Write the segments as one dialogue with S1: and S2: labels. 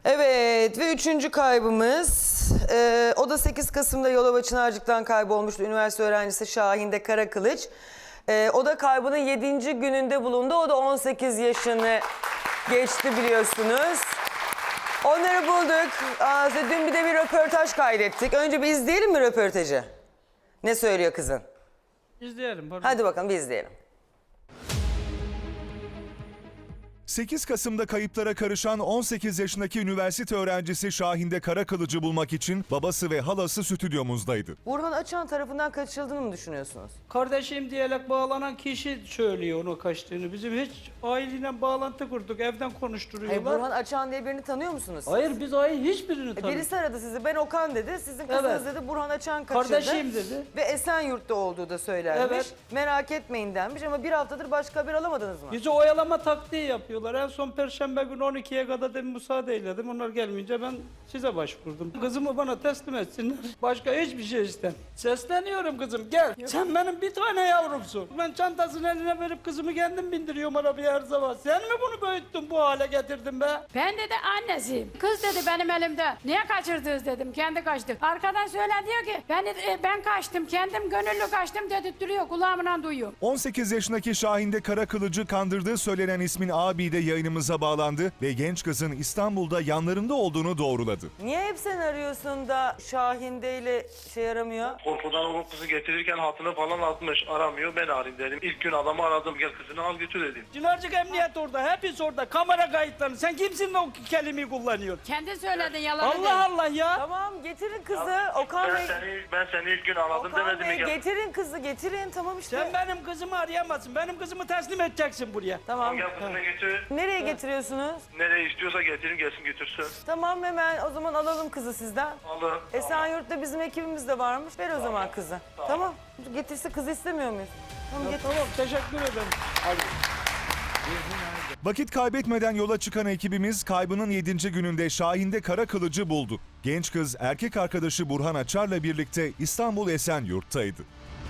S1: Evet ve üçüncü kaybımız o da 8 Kasım'da Yalova Çınarcık'tan kaybolmuştu. Üniversite öğrencisi Şahinde Karakılıç. O da kaybının 7. gününde bulundu. O da 18 yaşını geçti biliyorsunuz. Onları bulduk. Dün bir de bir röportaj kaydettik. Önce bir izleyelim mi röportajı? Ne söylüyor kızın?
S2: İzleyelim. Pardon.
S1: Hadi bakalım bir izleyelim.
S3: 8 Kasım'da kayıplara karışan 18 yaşındaki üniversite öğrencisi Şahinde Karakılıç'ı bulmak için babası ve halası stüdyomuzdaydı.
S1: Burhan Açan tarafından kaçırıldığını mı düşünüyorsunuz?
S2: Kardeşim diyerek bağlanan kişi söylüyor onu kaçtığını. Bizim hiç aileyle bağlantı kurduk. Evden konuşturuyorlar.
S1: Hayır, Burhan Açan diye birini tanıyor musunuz siz?
S2: Hayır, biz hiçbirini tanımıyoruz.
S1: Birisi aradı sizi. Ben Okan dedi. Sizin kızınız
S2: Evet.
S1: dedi. Burhan Açan kaçırdı.
S2: Kardeşim dedi.
S1: Ve Esenyurt'ta olduğu da söylenmiş.
S2: Evet.
S1: Merak etmeyin denmiş ama bir haftadır başka haber alamadınız mı?
S2: Bizi oyalama taktiği yapıyorlar. En son Perşembe günü 12'ye kadar dedim müsaade eyledim. Onlar gelmeyince ben size başvurdum. Kızımı bana teslim etsinler. Başka hiçbir şey istem. Sesleniyorum kızım, gel. Sen benim bir tane yavrumsun. Ben çantasını eline verip kızımı kendim bindiriyorum arabaya her zaman. Sen mi bunu büyüttün, bu hale getirdin be?
S4: Ben dedi annesiyim. Kız dedi benim elimde. Niye kaçırdınız dedim. Kendi kaçtı. Arkadan söyle diyor ki ben kaçtım. Kendim gönüllü kaçtım dedirtiyor. Kulağımdan duyuyor.
S3: 18 yaşındaki Şahinde Karakılıç'ı kandırdığı söylenen ismin abi de yayınımıza bağlandı ve genç kızın İstanbul'da yanlarında olduğunu doğruladı.
S1: Niye hep sen arıyorsun da Şahinde ile şey aramıyor?
S5: Korkudan o kızı getirirken hatını falan atmış, aramıyor, ben arayayım dedim. İlk gün adamı aradım, gel kızını al götür dedim.
S2: Çınarcık emniyet orada, hepsi orada. Kamera kayıtları. Sen kimsin de o kelimeyi kullanıyorsun?
S4: Kendin söyledin yalan dedi.
S2: Allah Allah ya.
S1: Tamam getirin kızı. Okan Bey.
S5: Ben seni ilk gün aradım
S1: Okan
S5: demedim
S1: Bey
S5: mi gel.
S1: getirin kızı getirin. Tamam işte.
S2: Sen benim kızımı arayamazsın. Benim kızımı teslim edeceksin buraya.
S1: Tamam.
S5: Gel kızını götür.
S1: Nereye getiriyorsunuz?
S5: Nereye istiyorsa getirin, gelsin götürsün.
S1: Tamam hemen o zaman alalım kızı sizden.
S5: Alın.
S1: Esenyurt'ta bizim ekibimiz de varmış. Ver o zaman kızı. Tamam. Getirse kızı istemiyor muyuz? Tamam getir.
S2: Tamam, teşekkür ederim.
S3: Vakit kaybetmeden yola çıkan ekibimiz kaybının 7. gününde Şahinde Karakılıç'ı buldu. Genç kız erkek arkadaşı Burhan Açar'la birlikte İstanbul Esenyurt'taydı.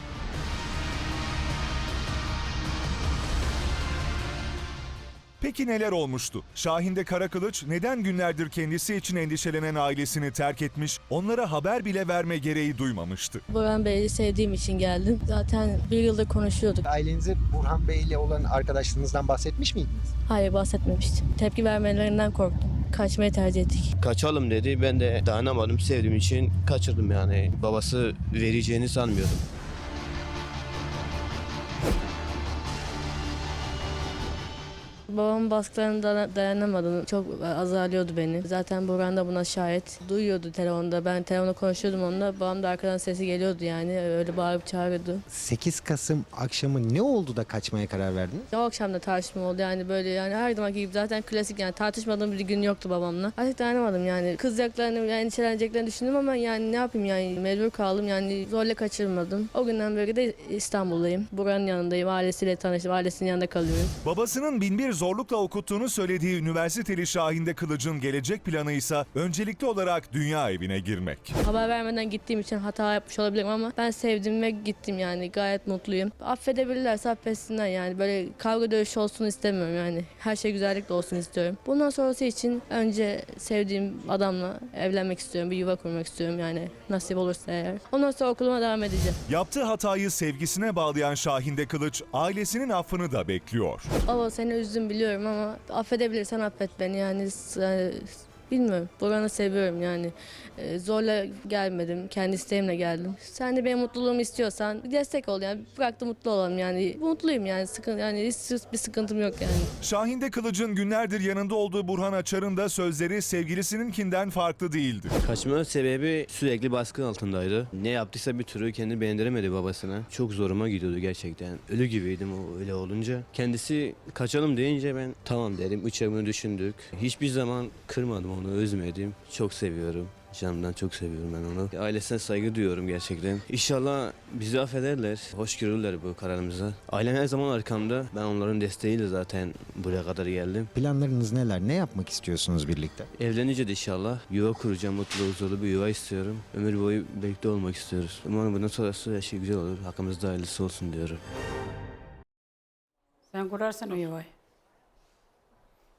S3: Peki neler olmuştu? Şahinde Karakılıç neden günlerdir kendisi için endişelenen ailesini terk etmiş, onlara haber bile verme gereği duymamıştı?
S6: Burhan Bey'i sevdiğim için geldim. Zaten bir yıldır konuşuyorduk.
S7: Ailenize Burhan Bey ile olan arkadaşlığınızdan bahsetmiş miydiniz?
S6: Hayır, bahsetmemiştim. Tepki vermelerinden korktum. Kaçmayı tercih ettik.
S8: Kaçalım dedi. Ben de dayanamadım. Sevdiğim için kaçırdım yani. Babası vereceğini sanmıyordum.
S6: Babamın baskılarına dayanamadım. Çok azarlıyordu beni. Zaten Burhan da buna şahit. Duyuyordu telefonda. Ben telefonda konuşuyordum onunla. Babam da arkadan sesi geliyordu yani. Öyle bağırıp çağırıyordu.
S7: 8 Kasım akşamı ne oldu da kaçmaya karar verdiniz?
S6: O akşam da tartışma oldu yani böyle yani her zamanki gibi zaten klasik yani tartışmadığım bir gün yoktu babamla. Artık dayanamadım yani. Kızacaklarını yani endişeleneceklerini düşündüm ama yani ne yapayım yani mecbur kaldım yani zorla kaçırmadım. O günden beri de İstanbul'dayım. Burhan'ın yanındayım. Ailesiyle tanıştım. Ailesinin yanında kalıyorum.
S3: Babasının binbir zorlukla okuttuğunu söylediği üniversiteli Şahinde Kılıç'ın gelecek planı ise öncelikli olarak dünya evine girmek.
S6: Haber vermeden gittiğim için hata yapmış olabilirim ama ben sevdim ve gittim yani gayet mutluyum. Affedebilirlerse affetsinler yani böyle kavga dövüş olsun istemiyorum yani. Her şey güzellikle olsun istiyorum. Bundan sonrası için önce sevdiğim adamla evlenmek istiyorum. Bir yuva kurmak istiyorum yani nasip olursa eğer. Ondan sonra okuluma devam edeceğim.
S3: Yaptığı hatayı sevgisine bağlayan Şahinde Kılıç ailesinin affını da bekliyor.
S6: Baba seni üzdüm biliyorum ama affedebilirsen affet beni yani bilmiyorum. Burhan'ı seviyorum yani. Zorla gelmedim. Kendi isteğimle geldim. Sen de benim mutluluğumu istiyorsan bir destek ol yani. Bırak da mutlu olalım yani. Mutluyum yani. Hiç bir sıkıntım yok yani.
S3: Şahinde Kılıç'ın günlerdir yanında olduğu Burhan Açar'ın da sözleri sevgilisininkinden farklı değildi.
S8: Kaçma sebebi sürekli baskı altındaydı. Ne yaptıysa bir türlü kendini beğendiremedi babasına. Çok zoruma gidiyordu gerçekten. Ölü gibiydim o öyle olunca. Kendisi kaçalım deyince ben tamam dedim. 3 ay bunu düşündük. Hiçbir zaman kırmadım onu, üzmedim. Çok seviyorum. Canımdan çok seviyorum ben onu. Ailesine saygı duyuyorum gerçekten. İnşallah bizi affederler, hoş görürler bu kararımıza. Ailem her zaman arkamda. Ben onların desteğiyle zaten buraya kadar geldim.
S7: Planlarınız neler? Ne yapmak istiyorsunuz birlikte?
S8: Evlenince de inşallah yuva kuracağım, mutlu huzurlu bir yuva istiyorum. Ömür boyu birlikte olmak istiyoruz. Umarım bundan sonrası her şey güzel olur. Hakkımızda hayırlısı olsun diyorum.
S4: Sen kurarsın o yuvayı.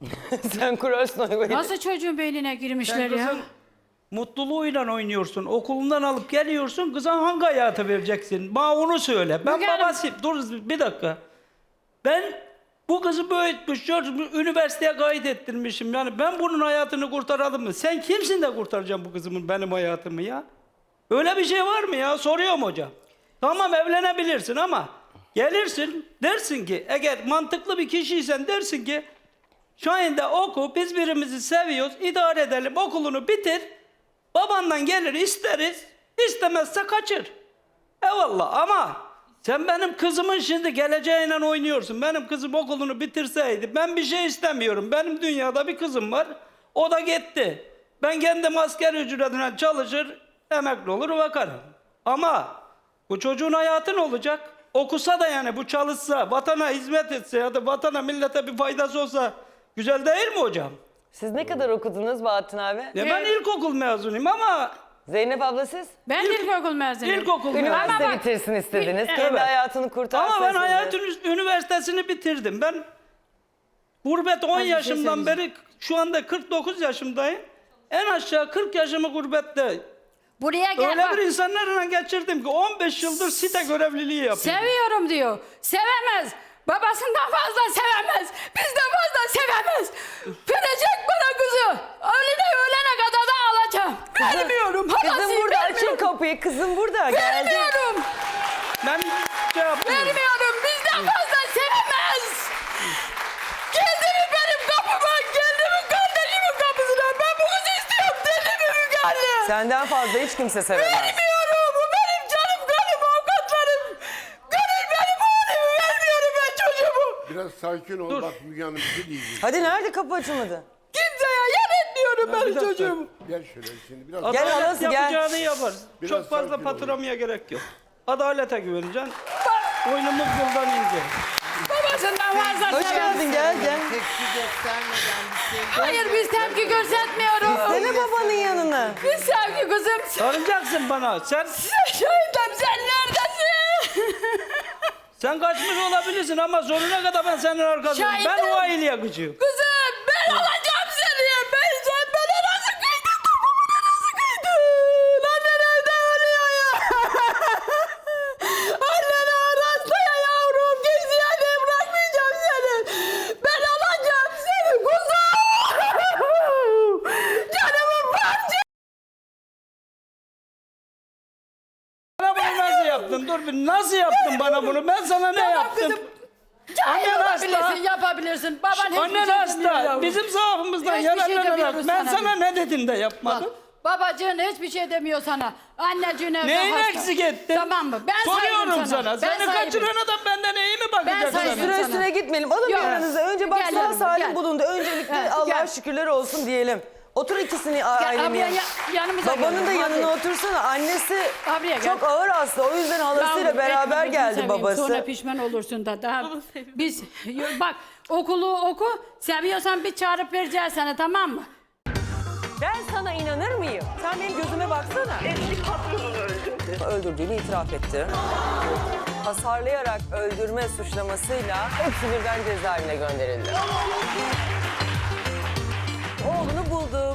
S1: Sen kurarsın onu böyle.
S4: Nasıl çocuğun beynine girmişler
S2: Sen
S4: ya?
S2: kızın mutluluğuyla oynuyorsun. Okulundan alıp geliyorsun. Kıza hangi hayatı vereceksin? Bana onu söyle. Ben
S4: Müge Hanım-
S2: babasıyım. Dur bir dakika. Ben bu kızı büyütmüş, üniversiteye kaydettirmişim. Yani ben bunun hayatını kurtaralım mı? Sen kimsin de kurtaracaksın bu kızımın benim hayatımı ya? Öyle bir şey var mı ya? Soruyorum hocam. Tamam evlenebilirsin ama gelirsin dersin ki eğer mantıklı bir kişiysen dersin ki Şahin'de oku, biz birbirimizi seviyoruz, idare edelim, okulunu bitir. Babandan gelir isteriz, istemezse kaçır. Eyvallah ama sen benim kızımın şimdi geleceğiyle oynuyorsun. Benim kızım okulunu bitirseydi ben bir şey istemiyorum. Benim dünyada bir kızım var, o da gitti. Ben kendim asgari ücretine çalışır, emekli olur bakarım. Ama bu çocuğun hayatı ne olacak? Okusa da yani bu çalışsa, vatana hizmet etse ya da vatana millete bir faydası olsa güzel değil mi hocam?
S1: Siz ne kadar okudunuz Bahattin abi?
S2: Ben ilkokul mezunuyum ama
S1: Zeynep abla siz?
S4: Ben ilkokul mezunuyum.
S2: ilkokul mezunuyum.
S1: Üniversite
S4: Ama bak-
S1: bitirsin istediniz.
S2: Evet.
S1: Kendi hayatını kurtarsın.
S2: Ama ben
S1: siz de.
S2: hayatın üniversitesini bitirdim. Ben gurbet 10
S4: şey
S2: yaşımdan beri şu anda 49 yaşımdayım. En aşağı 40 yaşımı gurbette.
S4: Buraya gel
S2: Öyle
S4: bak.
S2: bir insanlarla geçirdim ki 15 yıldır site görevliliği yapıyorum.
S4: Seviyorum diyor. Sevemez. Babasından fazla sevemez. Bizden fazla sevemez. Verecek bana kızı. Ölene kadar da alacağım. Vermiyorum.
S1: Kızım
S4: Halasıyım,
S1: burada, açın
S4: vermiyorum.
S1: kapıyı. Kızım burada, geldi.
S4: Vermiyorum.
S2: Ben şey yapmıyorum.
S4: Vermiyorum. Bizden fazla sevemez. Geldi mi benim kapıma? Geldi mi kardeşimin kapısına? Ben bu kızı istiyorum. Deli mi Müge Anne?
S1: Senden fazla hiç kimse sevemez.
S4: Vermiyorum. Bu benim canım kanım, avukatlarım. Gönül benim oğlumu vermiyorum ben çocuğumu.
S9: Biraz sakin ol bak Müge Hanım bir şey diyeceğim.
S1: Hadi nerede kapı açılmadı?
S4: Kimseye yer etmiyorum
S2: bir
S4: ben
S2: dakika.
S4: çocuğumu.
S9: Gel şöyle şimdi biraz
S1: Gel
S2: Adalet
S1: halası, gel.
S2: yapacağını yapar.
S9: Biraz
S2: Çok fazla
S9: sakin ol.
S2: patlamaya gerek yok. Adalete güveneceksin. Oyunumuz yoldan ince.
S4: Babasından fazla
S1: Hoş
S4: sevemez.
S1: geldin, gel gel.
S7: Tepki göstermeden bir şey
S4: Hayır biz tepki göstermiyoruz.
S1: Sene babanın yanına.
S4: Biz sevgi kızım.
S2: Sarılacaksın bana.
S4: Şahidim sen neredesin?
S2: Sen kaçmış olabilirsin ama sonuna kadar ben senin arkasındayım. Ben
S4: Şahidim.
S2: o aileye yakıcıyım.
S4: Kızım ben alacağım seni. Sen bana nasıl kıydın? Babama nasıl kıydın? Annen evde ölüyor ya. Annen arasında ya yavrum. Kimseye de bırakmayacağım seni. Ben alacağım seni kuzum. Canımın parçası.
S2: Bana bunu nasıl yaptın? Dur bir nasıl yaptın bana bunu? Ben sana ne yaptım?
S4: Kızım. Cahil
S2: Annen hasta.
S4: olabilirsin, yapabilirsin. Baban hiçbir
S2: Annen
S4: şey demiyor
S2: hasta.
S4: yavrum.
S2: Bizim zaafımızdan
S4: Hiçbir şey
S2: yararlanarak
S4: demiyoruz
S2: ben
S4: sana
S2: sana ne dedim de
S4: Bak,
S2: yapmadım?
S4: babacığın hiçbir şey demiyor sana. Anneciğin evde
S2: Neyin
S4: hasta.
S2: eksik ettin?
S4: Tamam mı? Ben
S2: Soruyorum
S4: sahibim
S2: sana.
S4: Ben
S2: Seni
S4: sahibim.
S2: kaçıran adam benden iyi mi bakacak
S4: Ben
S2: sana?
S4: sahibim.
S1: Süre
S4: sana.
S1: üstüne gitmeyelim. Alın
S4: Yok.
S1: yanınıza. Önce bak
S4: Gel
S1: sağ
S4: yanıma,
S1: salim
S4: gel.
S1: bulundu. Öncelikle
S4: Evet,
S1: Allah'a
S4: gel.
S1: şükürler olsun diyelim. Otur ikisini
S4: Gel
S1: ailenin
S4: abiye
S1: yanına.
S4: yanımıza
S1: Babanın da
S4: gelin.
S1: yanına
S4: Hadi.
S1: otursana. Annesi
S4: Abiye gel.
S1: çok ağır hasta. O yüzden halasıyla
S4: Yavrum,
S1: beraber
S4: etme,
S1: geldi
S4: seveyim.
S1: babası.
S4: Sonra pişman olursun da. Daha biz bak okulu oku. Seviyorsan bir çağırıp vereceğiz sana, tamam mı?
S1: Ben sana inanır mıyım? Sen benim gözüme baksana.
S10: Eski patronunu öldürdü.
S1: Öldürdüğünü itiraf etti. Hasarlayarak öldürme suçlamasıyla hepsi birden cezaevine gönderildi. Oğlunu bulduk.